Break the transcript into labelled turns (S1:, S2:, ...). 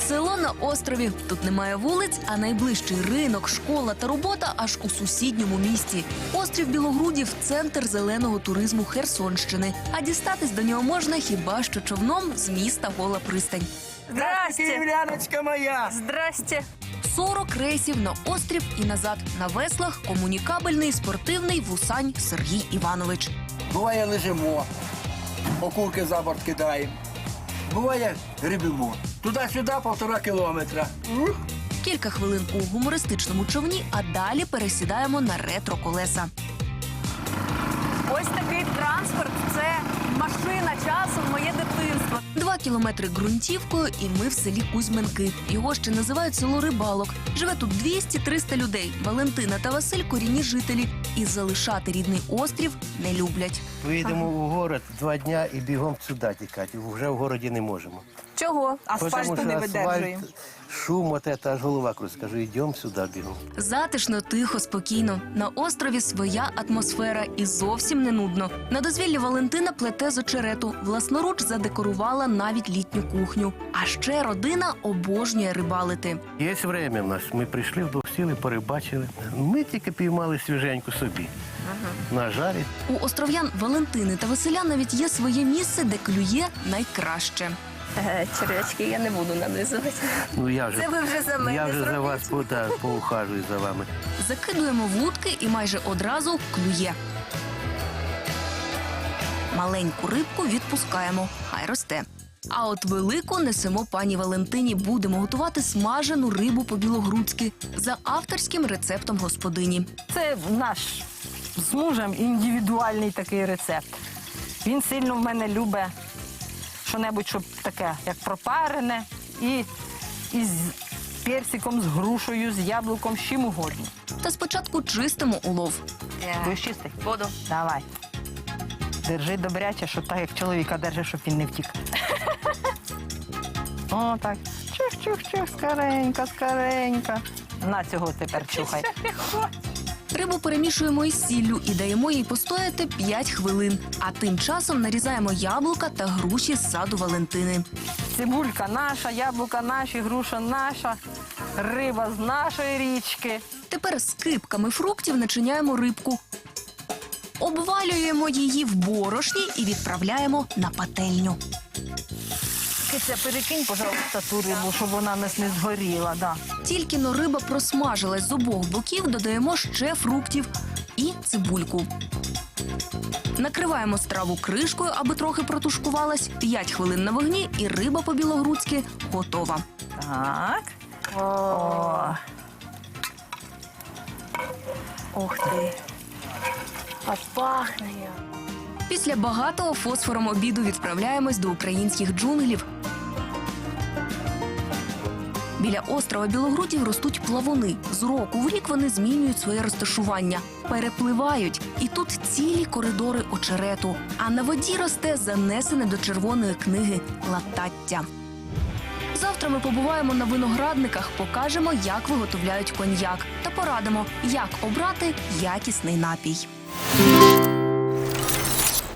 S1: Село на острові. Тут немає вулиць, а найближчий ринок, школа та робота аж у сусідньому місті. Острів Білогрудів – центр зеленого туризму Херсонщини. А дістатись до нього можна хіба що човном з міста Гола Пристань.
S2: Здрасте,
S3: Юляночка моя!
S2: здрасте.
S1: 40 рейсів на острів і назад. На веслах комунікабельний спортивний вусань Сергій Іванович.
S3: Буває лежимо, окурки за борт кидаємо. Буває грибимо. Туди-сюди 1,5 кілометра.
S1: Кілька хвилин у гумористичному човні, а далі пересідаємо на ретро-колеса.
S2: Ось такий транспорт – це машина часу в моє дитинство.
S1: 2 кілометри ґрунтівкою і ми в селі Кузьменки. Його ще називають село Рибалок. Живе тут 200-300 людей. Валентина та Василь – корінні жителі. І залишати рідний острів не люблять.
S4: Виїдемо у город 2 дня і бігом сюди тікати. Вже в городі не можемо.
S2: Чого? Асфальту не видержуємо.
S4: Шум, от це, аж голова крутить. Скажу, йдемо сюди бігом.
S1: Затишно, тихо, спокійно. На острові своя атмосфера і зовсім не нудно. На дозвіллі Валентина плете з очерету. Власноруч задекорувала навіть літню кухню. А ще родина обожнює рибалити.
S4: Є время в нас. Ми прийшли, вдвох сіли, порибачили. Ми тільки піймали свіженьку собі. На жарі.
S1: У остров'ян Валентини та Василя навіть є своє місце, де клює найкраще.
S2: Черв'ячки я не буду нанизувати.
S4: Ну, я вже,
S2: Це ви вже за мене
S4: я вже за
S2: зробіть.
S4: вас поухажую за вами.
S1: Закидуємо вудки і майже одразу клює. Маленьку рибку відпускаємо, хай росте. А от велику несемо пані Валентині. Будемо готувати смажену рибу по-білогрудськи за авторським рецептом господині.
S5: Це наш з мужем індивідуальний такий рецепт. Він сильно в мене любить що-небудь, щоб таке, як пропарене, і з персиком, з грушею, з яблуком, з чим угодно.
S1: Та спочатку чистимо улов.
S5: Будеш чистий?
S2: Буду.
S5: Давай. Держи добряче, щоб так, як чоловіка держи, щоб він не втік. О, так. Чух-чух-чух, скоренько, скоренько. На цього тепер чухай.
S1: Рибу перемішуємо із сіллю і даємо їй постояти 5 хвилин. А тим часом нарізаємо яблука та груші з саду Валентини.
S5: Цибулька наша, яблука наші, груша наша, риба з нашої річки.
S1: Тепер з кипками фруктів начиняємо рибку. Обвалюємо її в борошні і відправляємо на пательню.
S5: Киця, перекинь, пожалуйста, ту рибу, щоб вона нас не згоріла. Да.
S1: Тільки-но риба просмажилась з обох боків, додаємо ще фруктів і цибульку. Накриваємо страву кришкою, аби трохи протушкувалась. 5 хвилин на вогні і риба по-білогрудськи готова.
S5: Так. О.
S2: Ух ти. Аж пахне як.
S1: Після багатого фосфором обіду відправляємось до українських джунглів. Біля острова Білогрудів ростуть плавуни. З року в рік вони змінюють своє розташування, перепливають. І тут цілі коридори очерету. А на воді росте занесене до червоної книги латаття. Завтра ми побуваємо на виноградниках, покажемо, як виготовляють коньяк. Та порадимо, як обрати якісний напій.